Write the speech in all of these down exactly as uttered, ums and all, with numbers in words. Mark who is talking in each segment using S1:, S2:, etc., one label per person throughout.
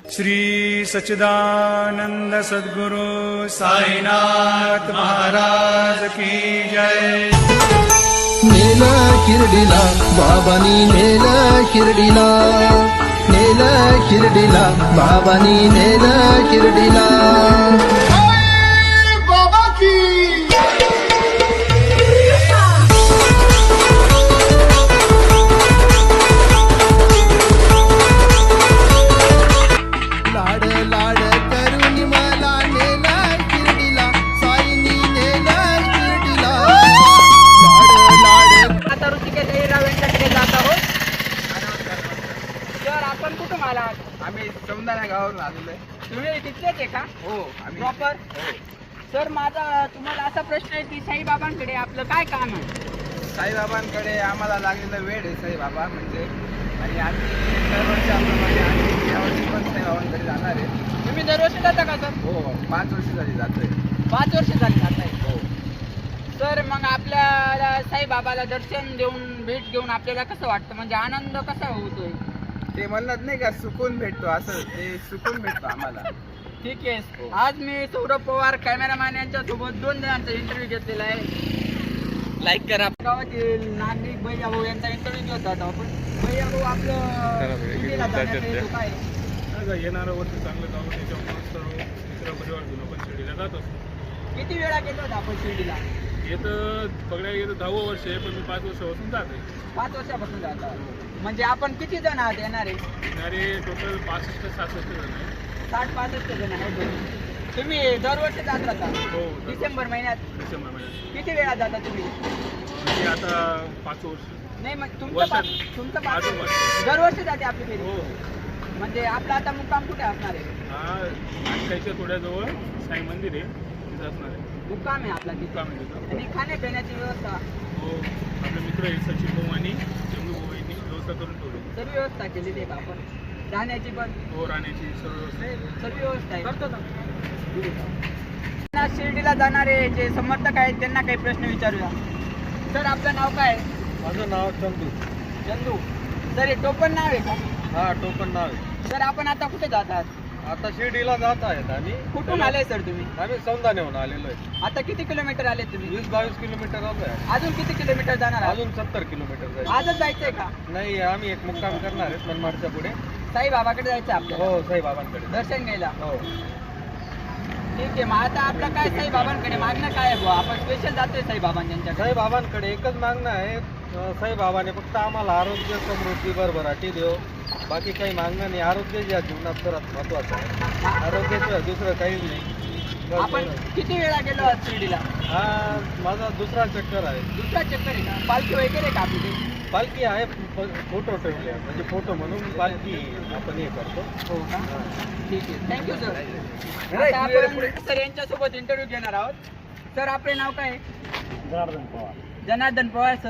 S1: श्री सच्चिदानंद सद्गुरु साईनाथ महाराज की जय।
S2: नेल शिर्डीला बाबानी नेल शिर्डीला, नेल शिर्डीला बाबानी नेल शिर्डीला। लाड लाड करून मला नेल शिर्डीला, साईनी नेल शिर्डीला। लाड लाड
S3: आता ऋषिकेश अहिरराव यांच्याकडे जात आहोत. तर आपण कुठून आलात?
S4: आम्ही सौंदाणा गावावरून आलेलो आहे.
S3: तुम्ही तिथलेच आहे का?
S4: हो आम्ही
S3: प्रॉपर.
S4: हो.
S3: सर माझा तुम्हाला असा प्रश्न आहे की साईबाबांकडे आपलं काय काम आहे?
S4: साईबाबांकडे आम्हाला लागलेला वेळ आहे साईबाबा म्हणजे, आणि आम्ही दरवर्षाप्रमाणे आम्ही यावर्षी पण साईबाबांकडे जाणार आहे.
S3: तुम्ही दरवर्षी जाता का सर?
S4: हो पाच वर्ष झाली जातोय.
S3: पाच वर्ष झाली जात आहे.
S4: हो
S3: सर मग आपल्याला साईबाबाला दर्शन देऊन भेट घेऊन आपल्याला कसं वाटतं, म्हणजे आनंद कसा होतोय?
S4: ते म्हणत नाही का सुकून भेटतो, असं ते सुकून भेटतो आम्हाला.
S3: ठीक आहे. आज मी सौरभ पवार कॅमेरामॅन यांच्या सोबत दोन जणांचा इंटरव्ह्यू घेतलेला आहे. लाईक करा. गावातील नागरिक भैया भाऊ यांचा इंटरव्ह्यू घेत होता आपण. भैया भाऊ आपलं शिर्डीला जाण्याचा हेतू काय आहे?
S1: येणारं वर्ष चांगलं जावं त्याच्यामुळे सर्व मित्र परिवार घेऊन आपण शिर्डीला जात असतो.
S3: किती वेळा गेलो होता आपण शिर्डीला?
S1: येतं बघायला येतं दहावं वर्ष आहे, पण मी पाच वर्षापासून जात आहे.
S3: पाच वर्षापासून जाता. म्हणजे आपण किती जण आहात येणारे?
S1: येणारे टोटल पासष्ट सहासष्ट जण आहे.
S3: साठ पासष्ट जण आहेत. तुम्ही दरवर्षी जात राहता?
S1: हो
S3: डिसेंबर महिन्यात.
S1: डिसेंबर महिन्यात.
S3: किती वेळा जाता तुम्ही?
S1: हे आता पाच वर्ष.
S3: नाही मग तुमचं
S1: वर्षात.
S3: पाच- तुमचं पाच
S1: अजून वर्ष.
S3: दरवर्षी जाते आपली फेरी.
S1: हो
S3: म्हणजे आपला आता मुक्काम कुठे असणार आहे?
S1: हा नाटकाच्या थोड्याजवळ साई मंदिर आहे, तिथं असणार आहे.
S3: मुक्काम आहे आपला तिथे.
S1: मुक्काम आहे तिथं.
S3: आणि खाण्यापिण्याची व्यवस्था
S1: हो आपले मित्र आहे सचिन भाऊ आणि जंगू भाऊ यांनी व्यवस्था करून ठेवली.
S3: सर्व व्यवस्था केलेली आहे का आपण? राहण्याची पण
S1: हो राहण्याची सर्व व्यवस्था.
S3: सर्व व्यवस्था आहे. करतो ना. शिर्डीला जाणारे जे समर्थक आहेत त्यांना काही प्रश्न विचारूया. सर आपलं नाव काय आहे?
S2: माझं नाव चंदू.
S3: चंदू. सर हे टोपण नाव आहे का?
S2: हा टोपण नाव आहे.
S3: सर आपण आता कुठे जात आहात?
S2: आता शिर्डीला जात आहेत आणि
S3: कुठून आले सर तुम्ही?
S2: आम्ही सौंदाण्याहून आलेलो आहे.
S3: आता किती किलोमीटर आले तुम्ही?
S2: वीस बावीस किलोमीटर आलोय.
S3: अजून किती किलोमीटर जाणार आहात?
S2: अजून सत्तर किलोमीटर जायचं.
S3: आजच जायचंय का?
S2: नाही आम्ही एक मुक्काम करणार आहेत मनमाडच्या पुढे.
S3: साईबाबाकडे जायचं आपल्याला
S2: हो साईबाबांकडे.
S3: दर्शन घ्यायला.
S2: हो
S3: ठीक आहे. मग आता आपलं काय साईबाबांकडे मागणं काय आहे बुवा? आपण स्पेशल जातोय साईबाबांच्याकडे.
S2: साईबाबांकडे एकच मागणं आहे, अं, साईबाबाने फक्त आम्हाला आरोग्य समृद्धी भरभराटी देव, बाकी काही मागणं नाही. आरोग्य या जीवनात सर्वात महत्वाचं आहे. आरोग्याचं दुसरं काहीच नाही. बस
S3: आपण
S2: एवढं.
S3: किती वेळा गेलो आहात शिर्डीला?
S2: हा माझा दुसरा चक्कर आहे.
S3: दुसरा चक्कर आहे का? पालखी वगैरे का आपली ते?
S2: पालखी आहे, फ- फोटो ठेवले आहे. म्हणजे फोटो म्हणून पालखी आपण हे करतो.
S3: हो का?
S2: हा.
S3: ठीक आहे. Thank you sir. आता आपण सर यांच्यासोबत इंटरव्ह्यू घेणार आहोत. सर आपले नाव काय आहे?
S2: जनार्दन पवार.
S3: जनार्दन पवार सर.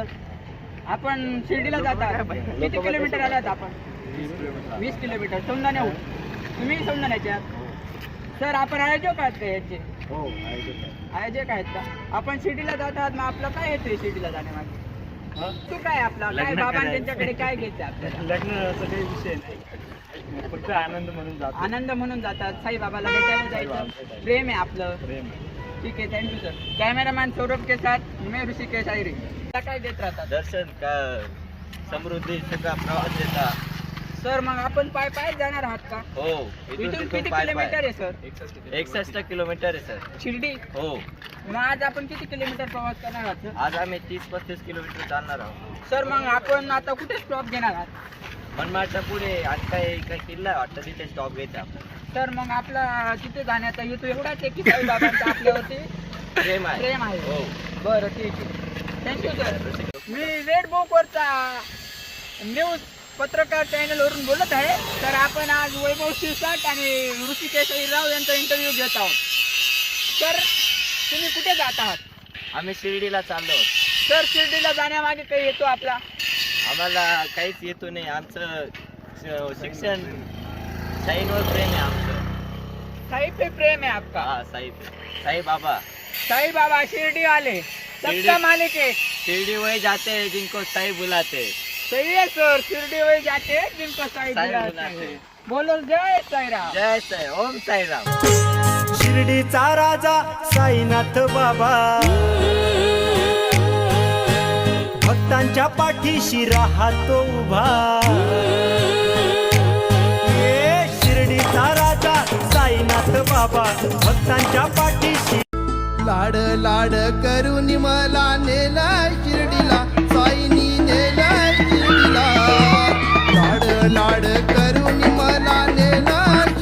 S3: आपण शिर्डीला जाता किती किलोमीटर आलात आपण? वीस किलोमीटर सौंदाण्याहून. तुम्ही सौंदाण्याचे आहात? सर आपण आयोजक आहात का याचे?
S2: हो आहे.
S3: आयोजक आहेत का? आपण शिर्डीला जात आहात, मग आपलं काय येतोय शिर्डीला जाण्यामागे? तू काय आपला काय बाबा त्यांच्याकडे काय घ्यायचं आपल्याला?
S1: लग्नाचा काही विषय नाही, फक्त आनंद म्हणून जातो.
S3: आनंद म्हणून जातात. साईबाबाला भेटायला जायचं. प्रेम आहे आपलं. ठीक आहे. Thank you sir. कॅमेरामॅन सौरभ के साथ मैं ऋषिकेश अहिरे. काय देत राहतात
S4: दर्शन का समृद्धी सगळा प्रवास देता.
S3: सर मग आपण पाय पाय जाणार आहात का?
S4: हो
S3: इथून किती किलोमीटर आहे सर?
S4: एकसष्ट किलोमीटर आहे सर.
S3: शिर्डी.
S4: हो
S3: मग आज आपण किती किलोमीटर प्रवास करणार आहात सर?
S4: आज आम्ही तीस पस्तीस किलोमीटर चालणार आहोत.
S3: सर मग आपण आता कुठे स्टॉप घेणार आहात?
S4: मनमाडच्या पुढे आणि काही काही किल्ला आहे वाटतं, तिथे स्टॉप घ्यायचा आपल्याला.
S3: सर मग आपला तिथे जाण्याचा हेतू एवढाच आहे की साईबाबांचा आपल्यावरती
S4: प्रेम आहे.
S3: प्रेम आहे.
S4: हो
S3: बरं ठीक आहे. Thank you sir. मी रेड बुकवरचा न्यूज पत्रकार चॅनलवरून बोलत आहे. तर आपण आज वैभव शिरसाट आणि ऋषिकेश अहिरराव यांचा इंटरव्ह्यू घेत आहोत. तर तुम्ही कुठे जात आहात?
S4: आम्ही शिर्डीला चाललो आहोत.
S3: सर शिर्डीला जाण्यामागे काही येतो आपला?
S4: आम्हाला काहीच येतो नाही. आमचं श- शिक्षण साईंवर प्रेम आहे आमचं.
S3: साई पे प्रेम है आपका?
S4: हा साई साई बाबा.
S3: साई बाबा शिरडी वाले सबका
S4: शिरडी-
S3: मालिक है.
S4: शिरडी वही जाते हैं जिनको साई बुलाते हैं.
S3: सही है सर. शिरडी वही जाते हैं जिनको साई
S4: साई
S3: बुलाते
S4: बुलाते
S3: हैं.
S4: हैं.
S3: बोलो जय साईराम.
S2: जय साई ओम साईराम.
S5: शिर्डीचा राजा साईनाथ बाबा भक्तांच्या पाठीशी राहतो उभा. ए शिर्डीचा राजा साईनाथ बाबा भक्तांच्या पाठीशी.
S6: लाड लाड करून मला नेला शिर्डीला साईनी नेला शिर्डीला. लाड लाड करून मला नेला